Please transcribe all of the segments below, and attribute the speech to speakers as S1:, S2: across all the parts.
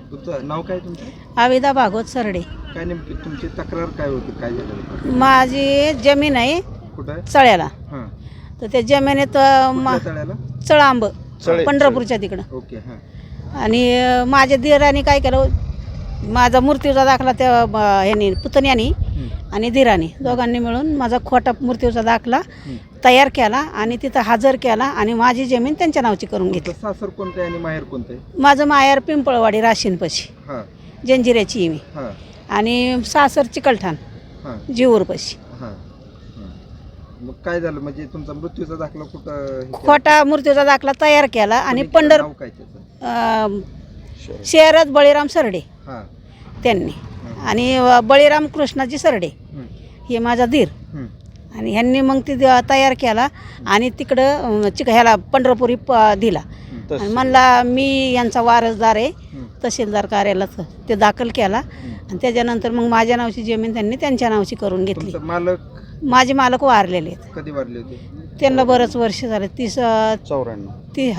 S1: तुमचं नाव काय तुमचं?
S2: आविदा भागवत सरडे.
S1: काय नेमकी तुमची तक्रार काय होती, काय झालं?
S2: माझी जमीन आहे
S1: कुठं आहे?
S2: चळ्याला.
S1: हां.
S2: तर त्या जमिनीत
S1: कुठल्या तळ्याला?
S2: चळांब
S1: चळे.
S2: पंढरपूरच्या तिकडं.
S1: ओके. हां.
S2: आणि माझ्या दिराने काय केलं, माझा मूर्तीचा दाखला त्या ह्यानी पुतण्यानी आणि दिराने दोघांनी मिळून माझा खोटा मूर्तीचा दाखला तयार केला आणि तिथं हजर केला आणि माझी जमीन त्यांच्या नावची करून घेतली.
S1: तुमचं सासर कोणतं आहे आणि माहेर कोणतं आहे?
S2: माझं माहेर पिंपळवाडी राशीनपाशी,
S1: हां.
S2: जंजिऱ्याची आहे मी.
S1: हां.
S2: आणि सासर चिकलठाण
S1: हां.
S2: जीवरपाशी.
S1: हां. हां. मग काय झालं, म्हणजे तुमचा मृत्यूचा दाखला कुठं हे केला?
S2: खोटा मूर्तीचा दाखला तयार केला आणि
S1: कोणी केलं? नाव काय त्याचं?
S2: शहरात बळीराम सरडे
S1: हां.
S2: त्यांनी आणि बळीराम कृष्णाजी सरडे हे माझा धीर. आणि ह्यांनी मग ती तयार केला आणि तिकडं ह्याला पंढरपुरी दिला आणि म्हणला मी यांचा वारसदार आहे, तहसीलदार कार्यालयात ते दाखल केला आणि त्याच्यानंतर मग माझ्या नावची जमीन त्यांनी त्यांच्या नावची करून घेतली.
S1: तुमचं मालक
S2: माझे मालक वारलेले आहेत.
S1: कधी वारले होते?
S2: त्यांना बरंच वर्ष झाले,
S1: 94.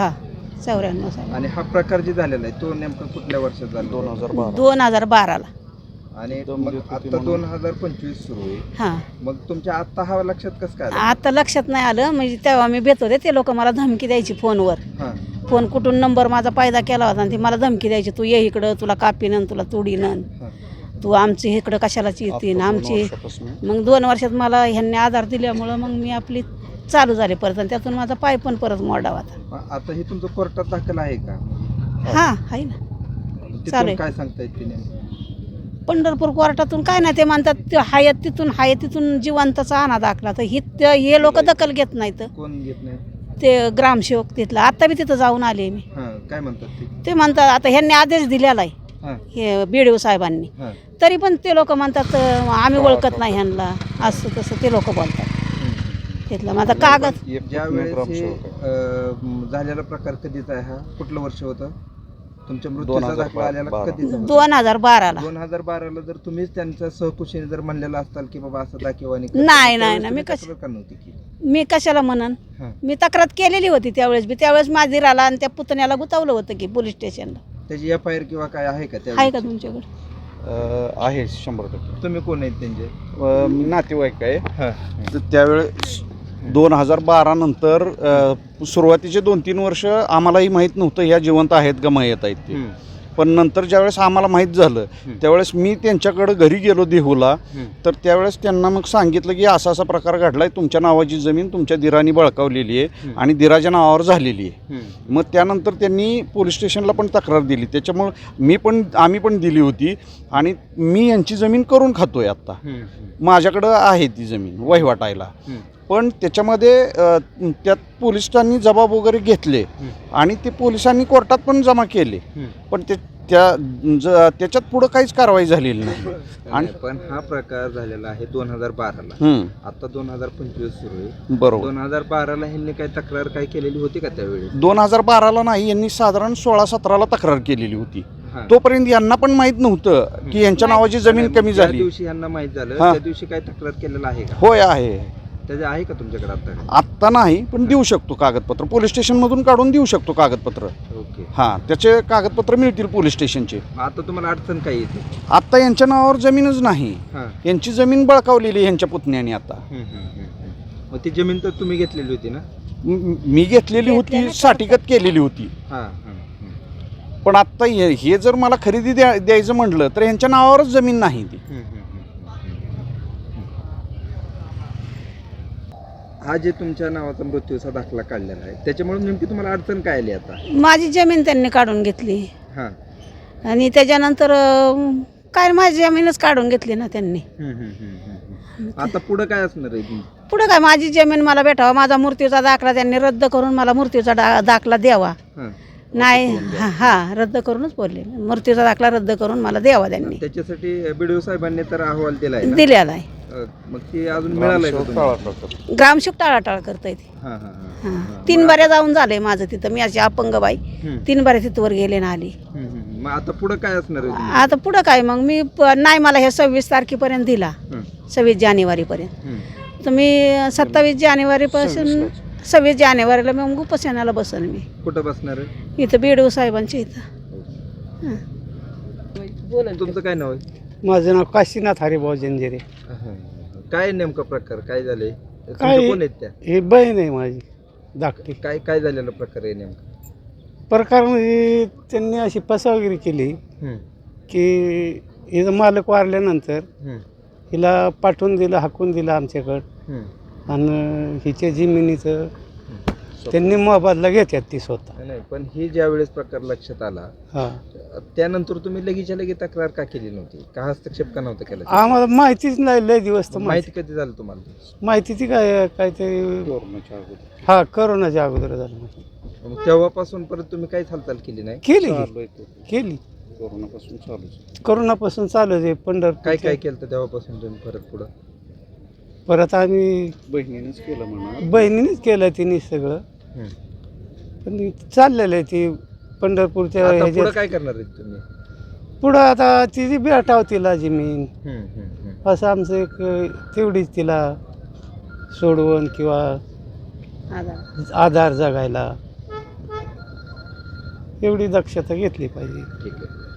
S2: 94 साली.
S1: आणि हा प्रकार जे झालेला आहे तो नेमका कुठल्या वर्षात झाला?
S2: 2012ला.
S1: आणि मग आता 2025 सुरू आहे.
S2: हां.
S1: मग तुमच्या आत्ता हा लक्षात कसं काय आलं?
S2: आता लक्षात नाही आलं, म्हणजे तेव्हा मी भेट होते ते लोक मला धमकी द्यायची फोनवर.
S1: हां.
S2: फोन कुठून नंबर माझा पायदा केला होता आणि ती मला धमकी द्यायची, तू ये इकडं, तुला कापीन, तुला तुडीन,
S1: हां.
S2: तू आमची इकडं कशालाच येतीन आमची. मग 2 वर्षात मला ह्यांनी आधार दिल्यामुळं मग मी आपली चालू झाले परत आणि त्यातून माझा पाय पण परत मोडा होता.
S1: आता हे तुमचं कोर्टात दाखल आहे का?
S2: हां आहे ना,
S1: तिथून
S2: चालेल.
S1: काय सांगता येते नेमकं?
S2: पंढरपूर कोर्टातून काय नाही, ते म्हणतात ते हाय तिथून जिवंतचा आणा दाखला. तर हे लोक दखल घेत नाहीत.
S1: कोण घेत नाही?
S2: ते ग्रामसेवक तिथला, आता बी तिथं जाऊन आले मी.
S1: हां. काय म्हणतात
S2: ते म्हणतात आता ह्यांनी आदेश दिलेला आहे
S1: हां.
S2: हे BDO साहेबांनी,
S1: हां.
S2: तरी पण ते लोक म्हणतात आम्ही ओळखत नाही ह्यांना, असं तसं ते लोक बोलतात तिथलं. माझा कागद
S1: ज्या वेळेस हे झालेला प्रकार कधीचा आहे, हा कुठलं वर्ष होतं? तुमच्या मृत्यूचा दाखला आलेला कधीचा होता?
S2: 2012ला.
S1: 2012ला जर तुम्हीच त्यांच्या सहकुशीने जर म्हणलेलं असताल की बाबा असं दाखवानी,
S2: नाही मी
S1: का नव्हती की?
S2: मी कशाला म्हणन,
S1: हां.
S2: मी तक्रार केलेली होती त्यावेळेस माझी राला आणि त्या पुतण्याला गुतावलं होतं की पोलीस स्टेशनला.
S1: त्याची FIR किंवा काय आहे का?
S2: आहे का तुमच्याकडे?
S3: आहे 100%.
S1: तुम्ही कोण आहेत त्यांचे?
S3: मी नातेवाईक आहे.
S1: हां.
S3: तर त्यावेळेस 2012 नंतर सुरुवातीचे 2-3 वर्ष आम्हालाही माहीत नव्हतं ह्या जिवंत आहेत का मयत आहेत ते. पण नंतर ज्यावेळेस आम्हाला माहीत झालं त्यावेळेस मी त्यांच्याकडं घरी गेलो देहूला. तर त्यावेळेस त्यांना मग सांगितलं की असा असा प्रकार घडला आहे, तुमच्या नावाची जमीन तुमच्या दिराने बळकावलेली आहे आणि दिराच्या नावावर झालेली आहे. मग त्यानंतर त्यांनी पोलीस स्टेशनला पण तक्रार दिली, त्याच्यामुळं आम्ही पण दिली होती आणि मी यांची जमीन करून खातोय आत्ता. माझ्याकडं आहे ती जमीन वहिवाटायला. पण त्याच्यामध्ये त्यात पोलिसांनी जबाब वगैरे घेतले आणि ते पोलिसांनी कोर्टात पण जमा केले, पण त्याच्यात पुढं काहीच कारवाई झालेली नाही.
S1: आणि पण हा प्रकार झालेला आहे 2012ला. आता 2025 सुरू आहे.
S3: बरोबर.
S1: 2012ला ह्यांनी काय तक्रार काय केलेली होती का त्यावेळी?
S3: 2012ला नाही, यांनी साधारण 16-17ला तक्रार केलेली होती. तोपर्यंत यांना पण माहीत नव्हतं की यांच्या नावाची जमीन कमी झाली.
S1: ज्या दिवशी यांना माहीत झालं त्या दिवशी काय तक्रार केलेला आहे का?
S3: होय आहे.
S1: त्याचे आहे का तुमच्याकडे आता?
S3: आत्ता नाही, पण देऊ शकतो कागदपत्र, पोलीस स्टेशनमधून काढून देऊ शकतो कागदपत्र.
S1: ओके.
S3: हां, त्याचे कागदपत्र मिळतील पोलीस स्टेशनचे.
S1: आता तुम्हाला अडचण काय येते?
S3: आत्ता यांच्या नावावर जमीनच नाही,
S1: हां.
S3: यांची जमीन बळकावलेली यांच्या पुतण्याने. आता
S1: मग ती जमीन तर तुम्ही घेतलेली होती ना?
S3: मी घेतलेली होती, साठीगत केलेली होती.
S1: हां.
S3: पण आत्ता हे जर मला खरेदी द्यायचं म्हटलं तर यांच्या नावावरच जमीन नाही ती.
S1: हा जे तुमच्या नावाचा मृत्यूचा दाखला काढलेला आहे त्याच्यामुळे नेमकी तुम्हाला अडचण काय आली आता?
S2: माझी जमीन त्यांनी काढून घेतली
S1: हां.
S2: आणि त्याच्यानंतर काय माझी जमीनच काढून घेतली ना त्यांनी.
S1: आता पुढं काय असणार आहे?
S2: पुढं काय, माझी जमीन मला भेटावा, माझा मृत्यूचा दाखला त्यांनी रद्द करून मला मृत्यूचा दाखला द्यावा. नाही हां रद्द करूनच बोलले, मृत्यूचा दाखला रद्द करून मला द्यावा त्यांनी.
S1: त्याच्यासाठी BDO साहेबांनी तर अहवाल दिलाय ना?
S2: दिलेला आहे.
S1: मग ते अजून मिळालंय का तुम्हाला?
S2: ग्रामसेवक टाळाटाळ करता येते.
S1: हां.
S2: 3 बाऱ्या जाऊन झाले माझं तिथं, मी अशी अपंग बाई 3 बाऱ्या तिथवर गेले ना आली.
S1: मग आता पुढं काय असणार आहे?
S2: आता पुढं काय मग मी नाही, मला हे 26 तारखेपर्यंत दिला, 26 जानेवारीपर्यंत. तर मी 27 जानेवारीपासून 26 जानेवारीला मग उपोषणाला बसन. मी
S1: कुठं बसणार आहे?
S2: इथं BDO साहेबांच्या इथं.
S1: तुमचं काय नाव आहे?
S4: माझं नाव काशीनाथ हरिभाऊ जंजिरे.
S1: काय नेमका प्रकार काय झाले?
S4: काय-
S1: कोण आहेत त्या?
S4: ही बहीण आहे माझी धाकटी.
S1: काय काय झालेला प्रकार आहे नेमका?
S4: प्रकार म्हणजे त्यांनी अशी फसवागिरी केली
S1: हम्म,
S4: की हिचं मालक वारल्यानंतर
S1: हम्म,
S4: हिला पाठवून दिलं, हाकून दिलं आमच्याकडं.
S1: हम्म.
S4: आणि हिच्या जमिनीचं त्यांनी मोबदला घेतात ती स्वतः.
S1: नाही पण ही ज्या वेळेस प्रकार लक्षात आला
S4: हां,
S1: त्यानंतर तुम्ही लगेचच्या लगेच तक्रार का केली नव्हती? का हस्तक्षेप का नव्हता केला?
S4: आम्हाला माहितीच नाही, लय दिवस तर
S1: माहिती कधी झालं तुम्हाला?
S4: माहिती ती काहीतरी हा करोनाच्या अगोदर झालं माहिती.
S1: मग तेव्हापासून परत तुम्ही काहीच हालचाल केली नाही?
S4: केली करोनापासून चालू आहे पंढरपूर.
S1: काय काय केलं तर तेव्हापासून तुम्ही परत पुढं?
S4: परत आम्ही बहिणीनेच केलं तिने सगळं.
S1: हम्म.
S4: पण चाललेलं आहे ती पंढरपूरच्या
S1: आता पुढं
S4: ह्याच्यात.
S1: काय करणार आहेत तुम्ही?
S4: पुढं आता तिची भेटाव तिला जमीन,
S1: हम्म, हम्म, हम्म.
S4: असं आमचं एक तेवढीच तिला सोडवण किंवा आधार जगायला एवढी दक्षता घेतली पाहिजे.
S1: ठीक आहे.